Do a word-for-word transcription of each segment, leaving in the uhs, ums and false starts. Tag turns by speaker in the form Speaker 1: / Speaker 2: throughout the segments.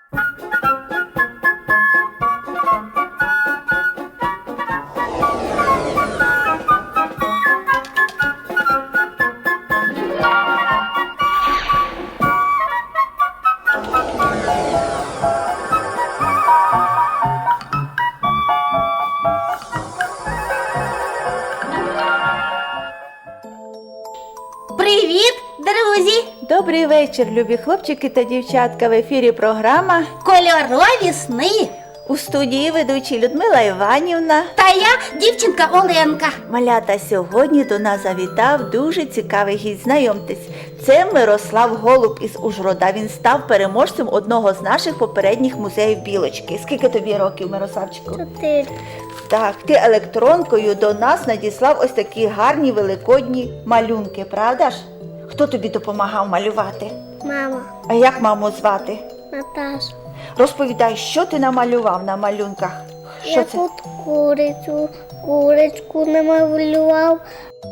Speaker 1: Привіт, друзі!
Speaker 2: Добрий вечір, любі хлопчики та дівчатка. В ефірі програма
Speaker 1: Кольорові сни.
Speaker 2: у студії ведучі Людмила Іванівна.
Speaker 1: Та я дівчинка Оленка.
Speaker 2: Малята, сьогодні до нас завітав дуже цікавий гість. Знайомтесь, це Мирослав Голуб із Ужгорода. Він став переможцем одного з наших попередніх музеїв Білочки. Скільки тобі років, Мирославчику?
Speaker 3: Чотири.
Speaker 2: Так, ти електронкою до нас надіслав ось такі гарні великодні малюнки, правда ж? Хто тобі допомагав малювати?
Speaker 3: Мама.
Speaker 2: А як маму звати?
Speaker 3: Наташа.
Speaker 2: Розповідай, що ти намалював на малюнках? Що
Speaker 3: Я
Speaker 2: це?
Speaker 3: тут курицю, курочку намалював,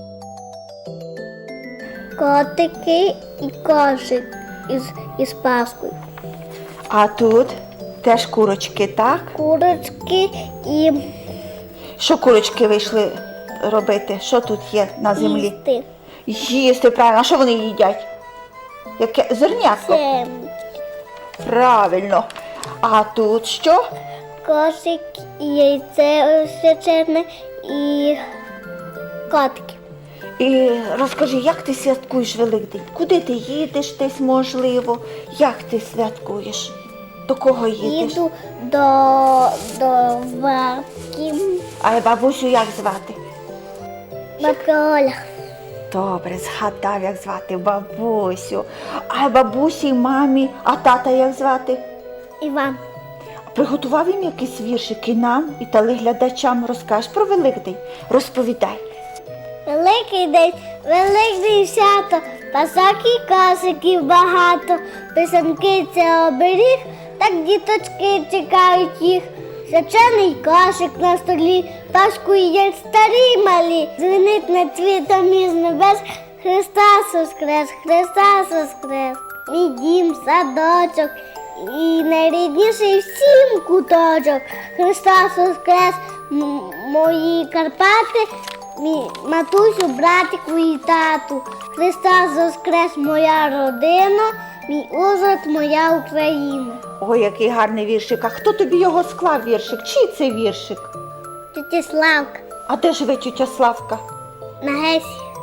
Speaker 3: котики і кошик із, із паскою.
Speaker 2: А тут теж курочки, так?
Speaker 3: Курочки і
Speaker 2: Що курочки вийшли робити? Що тут є на землі?
Speaker 3: їсти.
Speaker 2: Їсти, правильно. А що вони їдять? Яке зернятко?
Speaker 3: Це
Speaker 2: Правильно. А тут що?
Speaker 3: кошик, і яйце свячене і котики.
Speaker 2: І розкажи, як ти святкуєш Великдень? Куди ти їдеш десь, можливо? Як ти святкуєш? До кого їдеш?
Speaker 3: Їду до, до бабки.
Speaker 2: А бабусю як звати?
Speaker 3: Бабка Оля.
Speaker 2: Добре, згадав, як звати бабусю. А бабусі, мамі, а тата як звати?
Speaker 3: Іван.
Speaker 2: Приготував їм якісь віршики нам і телеглядачам. Розкажеш про Великдень? Розповідай.
Speaker 3: Великий день, великий свято, пасок і косиків багато, писанки це оберіг, так діточки чекають їх. Свячений кошик на столі, паску їдять старі малі, дзвенить над світом із небес, Христос воскрес, Христос воскрес. Мій дім, садочок і найрідніший всім куточок, Христос воскрес, м- мої Карпати, мій матусю, братику і тату. Христос воскрес, моя родина, мій Ужгород, моя Україна.
Speaker 2: Ой, який гарний віршик. А хто тобі його склав, віршик? Чий це віршик?
Speaker 3: Тетя Славка,
Speaker 2: А де живе тютя Славка?
Speaker 3: на Гесі.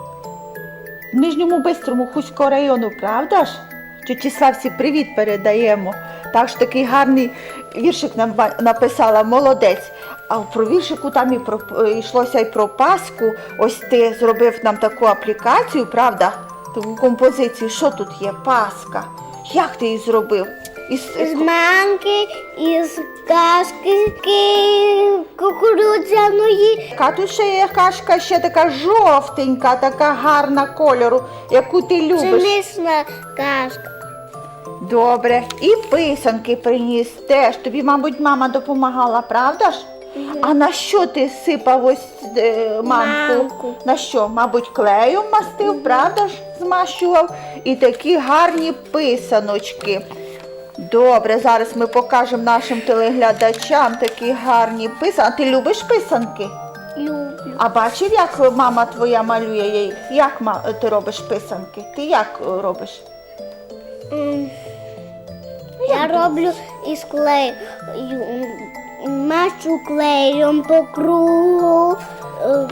Speaker 2: В Нижньому Бистрому Хуського району, правда ж? Тьоті Славці привіт передаємо. Так ж такий гарний віршик нам ба- написала, молодець. А про віршику там і про, йшлося і про Пасху. Ось ти зробив нам таку аплікацію, правда? Таку композицію. Що тут є? Пасха. Як ти її зробив? Із,
Speaker 3: З манки, із кашки кукурудзяної.
Speaker 2: А тут ще є кашка ще така жовтенька, така гарна кольору, яку ти любиш.
Speaker 3: Пшенична кашка.
Speaker 2: Добре. І писанки приніс теж. Тобі, мабуть, мама допомагала, правда ж? А на що ти сипав ось е, манку?
Speaker 3: Манку.
Speaker 2: На що? Мабуть, клеєм мастив, правда ж? Змащував. І такі гарні писаночки. Добре, зараз ми покажемо нашим телеглядачам такі гарні писанки. А ти любиш писанки?
Speaker 3: Люблю.
Speaker 2: А бачив, як мама твоя малює її? Як ма- ти робиш писанки? Ти як е, робиш?
Speaker 3: М, Я роблю із клею. Мащу клеєм по кругу. Е,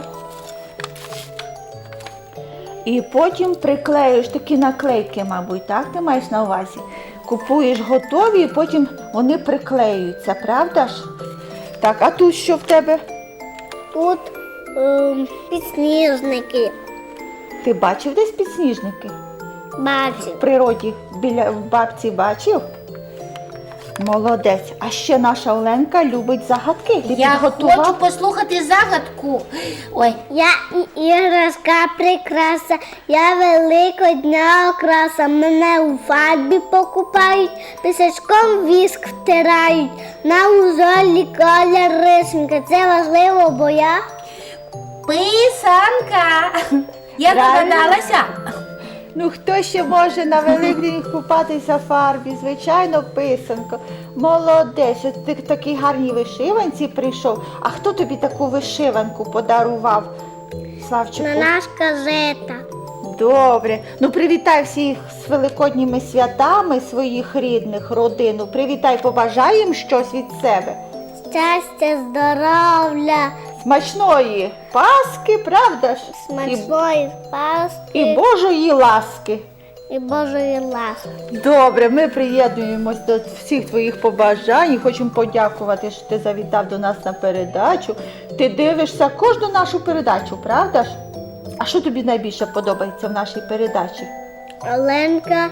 Speaker 2: І потім приклеюєш такі наклейки, мабуть, так? Ти маєш на увазі? Купуєш готові і потім вони приклеюються, правда ж? Так, а тут що в тебе?
Speaker 3: Тут ем, підсніжники.
Speaker 2: Ти бачив десь підсніжники?
Speaker 3: Бачу.
Speaker 2: В природі біля в бабці бачив? Молодець. А ще наша Оленка любить загадки. Ти
Speaker 1: Я
Speaker 2: підготував?
Speaker 1: хочу послухати загадку. Ой,
Speaker 3: Я і іграшка прикраса, я великодня окраса. Мене у фарбі покупають, пісочком віск втирають. На узолі колір рисунка. Це важливо, бо я
Speaker 1: писанка. Я
Speaker 2: Правильно.
Speaker 1: догадалася.
Speaker 2: Ну хто ще може на Великдень купатися в фарбі? Звичайно, писанко. Молодець, от ти в такій гарній вишиванці прийшов. А хто тобі таку вишиванку подарував, Славчику?
Speaker 3: На наш казета.
Speaker 2: Добре. Ну привітай всіх з великодніми святами своїх рідних, родину. Привітай, побажай їм щось від себе.
Speaker 3: Щастя, здоров'я,
Speaker 2: Смачної Пасхи, правда ж?
Speaker 3: смачної
Speaker 2: І,
Speaker 3: Пасхи
Speaker 2: і Божої ласки.
Speaker 3: і Божої ласки.
Speaker 2: Добре, ми приєднуємось до всіх твоїх побажань і хочемо подякувати, що ти завітав до нас на передачу. Ти дивишся кожну нашу передачу, правда ж? А що тобі найбільше подобається в нашій передачі?
Speaker 3: Оленка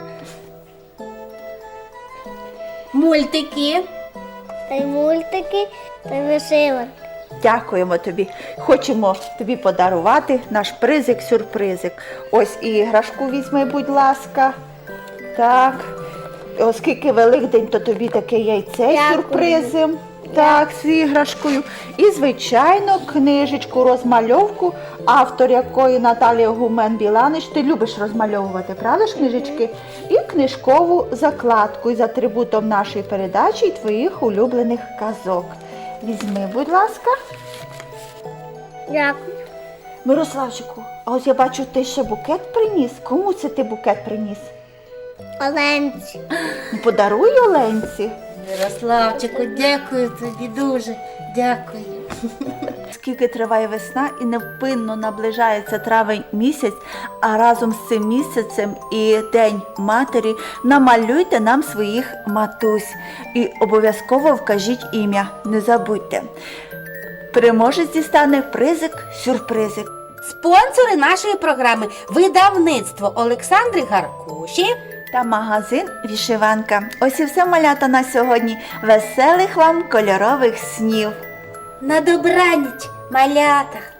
Speaker 1: Мультики.
Speaker 3: та й мультики та й вишиванки.
Speaker 2: Дякуємо тобі. Хочемо тобі подарувати наш призик-сюрпризик. Ось і іграшку візьми, будь ласка. Так. Оскільки Великдень, то тобі таке яйце
Speaker 3: Дякую.
Speaker 2: сюрпризом. Так, з іграшкою. І, звичайно, книжечку, розмальовку, автор якої Наталія Гумен-Біланич. Ти любиш розмальовувати, правда ж, книжечки? І книжкову закладку із атрибутом нашої передачі і твоїх улюблених казок. Візьми, будь ласка.
Speaker 3: Дякую.
Speaker 2: Мирославчику, а ось я бачу, ти ще букет приніс. Кому це ти букет приніс?
Speaker 3: Оленці.
Speaker 2: Ну, подаруй Оленці.
Speaker 1: Мирославчику, дякую тобі дуже. Дякую.
Speaker 2: Скільки триває весна і невпинно наближається травень місяць, а разом з цим місяцем і День матері намалюйте нам своїх матусь і обов'язково вкажіть ім'я, не забудьте. Переможець дістане призик-сюрпризик.
Speaker 1: Спонсори нашої програми – видавництво Олександри Гаркуші
Speaker 2: Та магазин «Вішиванка». Ось і все, малята, на сьогодні. Веселих вам кольорових снів!
Speaker 1: на добраніч, малята.